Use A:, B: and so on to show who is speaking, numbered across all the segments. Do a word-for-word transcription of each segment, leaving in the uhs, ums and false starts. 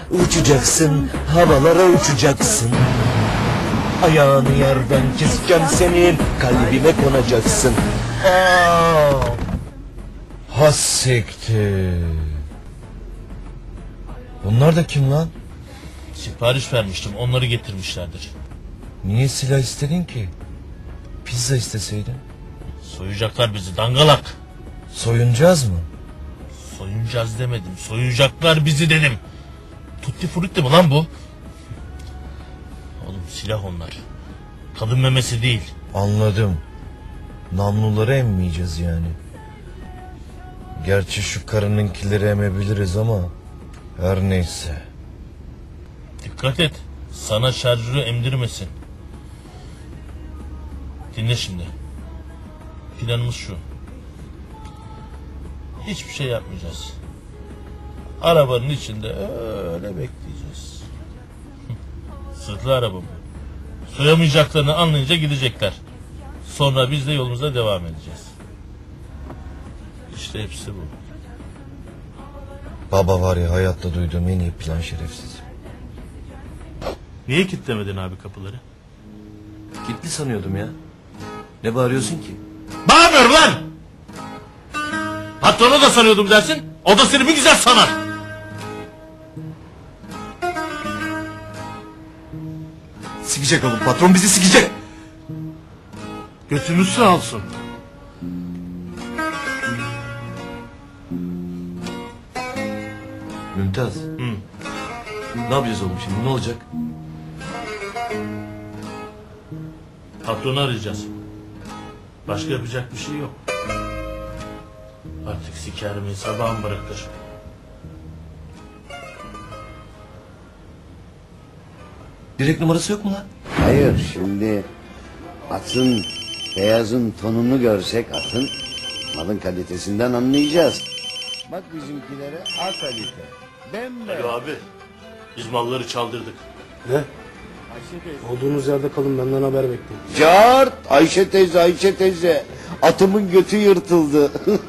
A: Uçacaksın, havalara uçacaksın. Ayağını yerden keseceğim senin, kalbime konacaksın. Aa! Hassiktir. Bunlar da kim lan?
B: Sipariş vermiştim, onları getirmişlerdir.
A: Niye silah istedin ki? Pizza isteseydin.
B: Soyacaklar bizi dangalak.
A: Soyunacağız mı?
B: Soyunacağız demedim, soyacaklar bizi dedim. Tutti frutti mi lan bu? Oğlum silah onlar. Kadın memesi değil.
A: Anladım. Namluları emmeyeceğiz yani. Gerçi şu karınınkileri emebiliriz ama her neyse.
B: Dikkat et, sana şarjörü emdirmesin. Dinle şimdi. Planımız şu. Hiçbir şey yapmayacağız. Arabanın içinde öyle bekleyeceğiz. Sırtlı araba bu. Soyamayacaklarını anlayınca gidecekler. Sonra biz de yolumuza devam edeceğiz. İşte hepsi bu.
A: Baba var ya, hayatta duyduğum en iyi plan, şerefsiz.
B: Niye kilitlemedin abi kapıları?
A: Kilitli sanıyordum ya. Ne bağırıyorsun ki?
B: Bağırmıyorum lan! Patronu da sanıyordum dersin. O da seni bir güzel sanar.
A: Sikecek oğlum, patron bizi sikecek.
B: Götümüz sağ olsun.
A: Mümtaz.
B: Hı.
A: Ne yapacağız oğlum şimdi, ne olacak?
B: Patronu arayacağız. Başka yapacak bir şey yok. Artık siker mi sabahın bırakır.
A: Direkt numarası yok mu lan?
C: Hayır, şimdi atın, beyazın tonunu görsek atın, malın kalitesinden anlayacağız. Bak bizimkilere A kalite. Bembeyaz.
B: Alo abi. Biz malları çaldırdık.
D: Ne? Olduğunuz yerde kalın, benden haber bekleyin.
C: Cart! Ayşe teyze, Ayşe teyze. Atımın götü yırtıldı.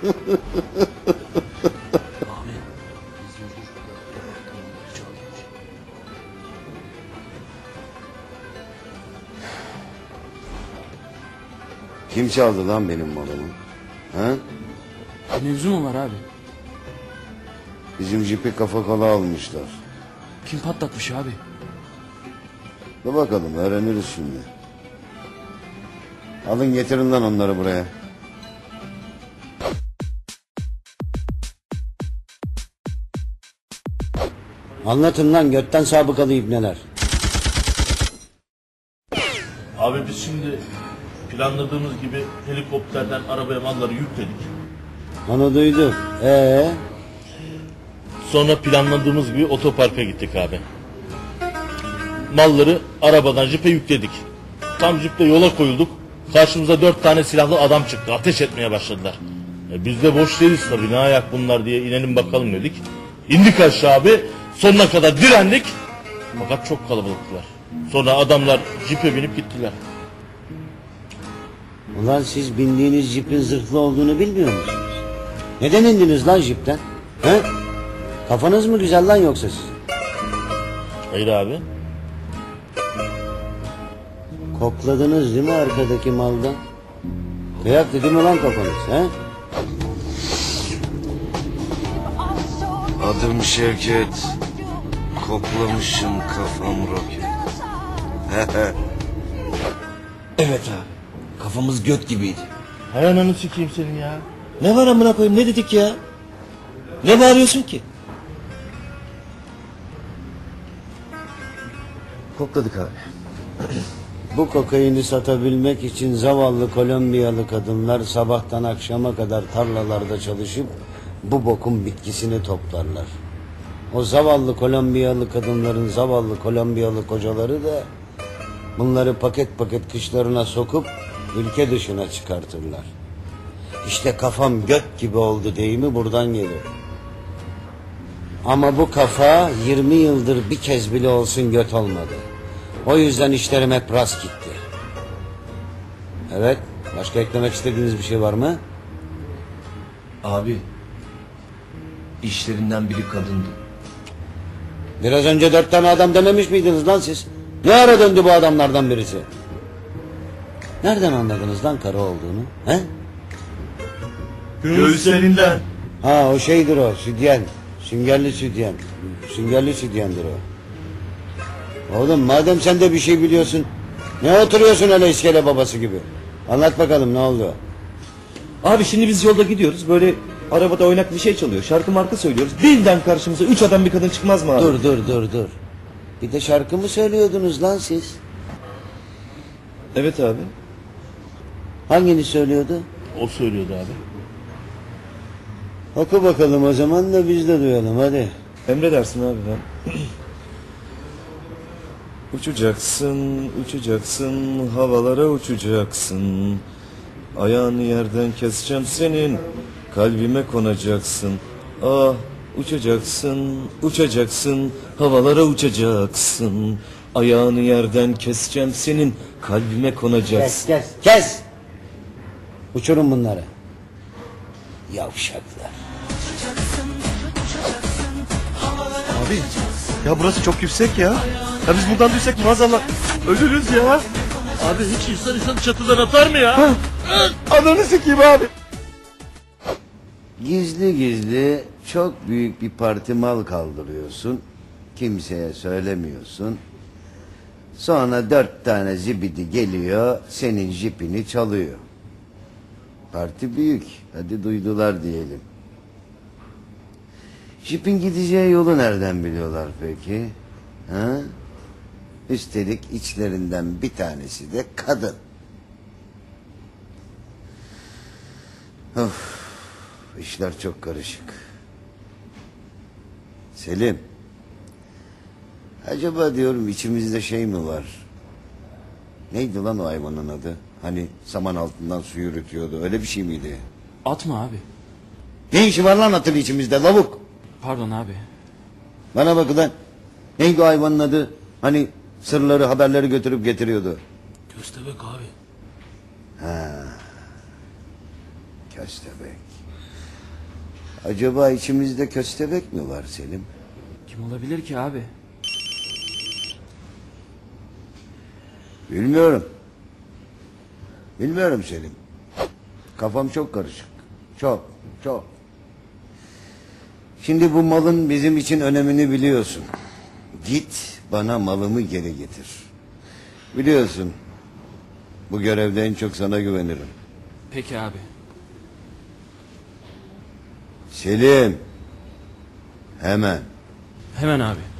C: Kim çaldı lan benim malımı? Ha?
E: Mevzu mu var abi?
C: Bizim jipi kafa kola almışlar.
E: Kim patlatmış abi?
C: Dur bakalım, öğreniriz şimdi. Alın getirin lan onları buraya. Anlatın lan götten sabıkalı ibneler.
B: Abi biz şimdi planladığımız gibi helikopterden arabaya malları yükledik.
C: Onu duydum. Ee?
B: Sonra planladığımız gibi otoparka gittik abi. Malları arabadan jipe yükledik. Tam jipte yola koyulduk. Karşımıza dört tane silahlı adam çıktı. Ateş etmeye başladılar. E biz de boş değiliz tabii. Ne ayak bunlar diye inelim bakalım dedik. İndik aşağı abi. Sonuna kadar direndik. Fakat çok kalabalıktılar. Sonra adamlar jipe binip gittiler.
C: Ulan siz bindiğiniz jipin zırhlı olduğunu bilmiyor musunuz? Neden indiniz lan jipten? He? Kafanız mı güzel lan yoksa sizin?
B: Hayır abi.
C: Kokladınız değil mi arkadaki maldan? Kıyak dedi mi lan kafanız? He?
A: Adım Şevket. Koklamışım kafam roket. Evet abi. Kafamız göt gibiydi.
B: Hay ananı sikeyim senin ya.
A: Ne var amına koyayım, ne dedik ya? Ne bağırıyorsun ki? Kokladık abi.
C: Bu kokaini satabilmek için zavallı Kolombiyalı kadınlar sabahtan akşama kadar tarlalarda çalışıp bu bokun bitkisini toplarlar. O zavallı Kolombiyalı kadınların zavallı Kolombiyalı kocaları da bunları paket paket kışlarına sokup ülke dışına çıkartırlar. İşte kafam göt gibi oldu deyimi buradan gelir. Ama bu kafa yirmi yıldır bir kez bile olsun göt olmadı. O yüzden işlerim hep rast gitti. Evet, başka eklemek istediğiniz bir şey var mı?
A: Abi, işlerinden biri kadındı.
C: Biraz önce dört tane adam dememiş miydiniz lan siz? Ne ara döndü bu adamlardan birisi? Nereden anladınız lan karı olduğunu? He?
B: Göğüslerinden.
C: Ha o şeydir o, sütyen. Süngerli sütyen. Süngerli sütyendir o. Oğlum madem sen de bir şey biliyorsun, ne oturuyorsun öyle iskele babası gibi? Anlat bakalım ne oldu?
F: Abi şimdi biz yolda gidiyoruz. Böyle arabada oynak bir şey çalıyor. Şarkı marka söylüyoruz. Birden karşımıza üç adam bir kadın çıkmaz mı abi?
C: Dur dur dur dur. Bir de şarkı mı söylüyordunuz lan siz?
F: Evet abi.
C: Hangini söylüyordu?
B: O söylüyordu abi.
C: Oku bakalım o zaman da biz de duyalım hadi.
F: Emredersin abi ben. Uçacaksın, uçacaksın, havalara uçacaksın. Ayağını yerden keseceğim senin, kalbime konacaksın. Ah, uçacaksın, uçacaksın, havalara uçacaksın. Ayağını yerden keseceğim senin, kalbime konacaksın.
C: Kes kes kes. Uçurun bunları. Yavşaklar.
G: Abi ya burası çok yüksek ya. Ya biz buradan düşsek maazallah ölürüz ya.
B: Abi hiç insan insan çatıdan atar mı ya?
G: Ananı sikeyim abi.
C: Gizli gizli çok büyük bir parti mal kaldırıyorsun. Kimseye söylemiyorsun. Sonra dört tane zibidi geliyor senin jipini çalıyor. Parti büyük. Hadi duydular diyelim. Jipin gideceği yolu nereden biliyorlar peki? Ha? Üstelik içlerinden bir tanesi de kadın. Of, işler çok karışık. Selim. Acaba diyorum içimizde şey mi var? Neydi lan o hayvanın adı? Hani saman altından su yürütüyordu. Öyle bir şey miydi?
E: At mı abi?
C: Ne işi var lan atın içimizde lavuk?
E: Pardon abi.
C: Bana bak lan. Neydi o hayvanın adı? Hani sırları haberleri götürüp getiriyordu.
A: Köstebek abi.
C: Köstebek. Acaba içimizde köstebek mi var Selim?
E: Kim olabilir ki abi?
C: Bilmiyorum. Bilmiyorum Selim. Kafam çok karışık. Çok, çok. Şimdi bu malın bizim için önemini biliyorsun. Git bana malımı geri getir. Biliyorsun. Bu görevde en çok sana güvenirim.
E: Peki abi.
C: Selim. Hemen.
E: Hemen abi.